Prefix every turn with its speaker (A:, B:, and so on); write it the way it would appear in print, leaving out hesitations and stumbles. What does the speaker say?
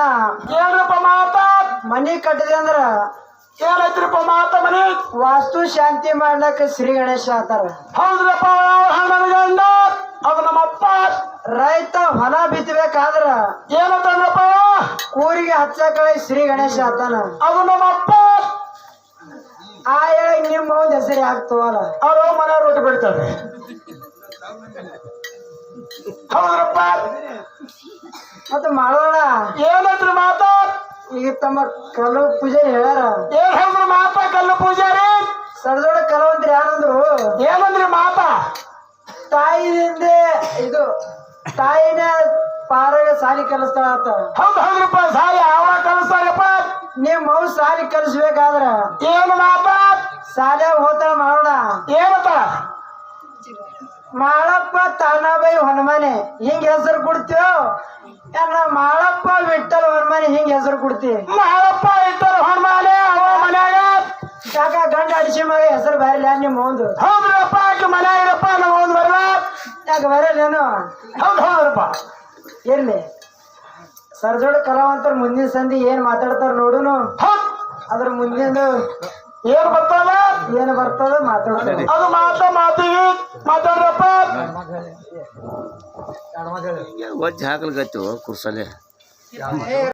A: ಏನ್ರಪ್ಪ ಮಾತ
B: ಮನಿ ಕಟ್ಟಿದೆ ಅಂದ್ರ
A: ಏನೈತ್ರಿಪ್ಪ ಮಾತ ಮನಿ
B: ವಾಸ್ತು ಶಾಂತಿ ಮಾಡ್ಲಕ್ಕ ಶ್ರೀ ಗಣೇಶ ಆತಾರ.
A: ಹೌದ್ರಪ್ಪ ಹಣ್ಣನ ಗಂಡ ಅದು ನಮ್ಮಪ್ಪ
B: ರೈತ ಹೊಲ ಬಿತ್ತಬೇಕಾದ್ರ
A: ಏನಂತಂದ್ರಪ್ಪ
B: ಕೂರಿಗೆ ಹಚ್ಚಕಳೆ ಶ್ರೀ ಗಣೇಶ ಆತಾನ.
A: ಅದು ನಮ್ಮಪ್ಪ
B: ಆ ಹೇಳಿ ನಿಮ್ಮ ಒಂದ್ ಹೆಸರು ಆಗ್ತವಲ್ಲ
A: ಅವ್ರು ಮನೆ ರೊಟ್ಟಿ ಬಿಡ್ತಾರೆ ಹೌದ್ರಪ್ಪ
B: ಮತ್ತ ಮಾಡೋಣ
A: ಏನಂದ್ರಿ ಮಾತ
B: ಈಗ ತಮ್ಮ ಕಲ್ಲು ಪೂಜೆ ಹೇಳ್ಯಾರ.
A: ಏನ್ ಹೇಳಿದ್ರು ಮಾತ ಕಲ್ಲು ಪೂಜಾರಿ
B: ಸರದೊಳ ಕಲವಂತ್ರಿ ಯಾರಂದ್ರು
A: ಏನಂದ್ರಿ ಮಾತ
B: ತಾಯಿದಿಂದ ಇದು ತಾಯಿನ ಪಾರಾಗ ಸಾಲಿ ಕಲಿಸ್ತಾಳ ಆತ.
A: ಹೌದ್ರಪ್ಪ ಸಾಯಿ ಯಾವ ಕಲಿಸ್ತಾರಪ್ಪ
B: ನಿಮ್ ಮೌ ಸಾಲಿ ಕಲಿಸ್ಬೇಕಾದ್ರ
A: ಏನು ಮಾತ
B: ಸಾಲ್ಯಾಗ ಹೋತಾಳ ಮಾಡೋಣ.
A: ಏನಂತ
B: ಮಾಳಪ್ಪ ತಾನಾಬೈ ಹೊನಮನೆ ಹಿಂಗ ಹೆಸರು ಕೊಡ್ತೀವೋ ಏನ ಮಾಳಪ್ಪ ವಿಠಲ್ ಹೊನಮನೆ ಹಿಂಗ ಹೆಸರು ಕೊಡ್ತಿ.
A: ಮಾಡಪ್ಪ ಇಟ್ಟರು ಹೊಣ್ಮಾಲೆ ಅವ ಮನ್ಯಾಗ
B: ಯಾಕ ಗಂಡ ಅಡಿಸಿ ಮಗ ಹೆಸರು ಬರಲ್ಲ ನಿಮ್ಮ ಒಂದು
A: ಹೌದ್ರಪ್ಪ ಆಕೆ ಮನ್ಯಾಗ ಇರಪ್ಪ ನಮ್ಮ ಒಂದು ಬರಲ್ಲ
B: ಯಾಕ ಬರಲ್ಲೇನು?
A: ಹೌದ್ರಪ್ಪ
B: ಇರ್ಲಿ ಸರ್ಜೋಡ ಕಲಾವಂತರ ಮುಂದಿನ ಸಂಧಿ ಏನ್ ಮಾತಾಡ್ತಾರ ನೋಡುನು.
A: ಹೌದ್
B: ಅದ್ರ ಮುಂದಿನ
A: ಏನ್ ಬರ್ತದ
B: ಏನ್ ಬರ್ತದ ಮಾತಾಡ್ತಾರೆ.
A: ಅದು ಮಾತಿಗೆ ಮಾತಾಡ್ರಪ್ಪ
C: ವಜ್ಜೆ ಹಾಕಲ್ಗತ್ತು ಕುರ್ಸಲೆ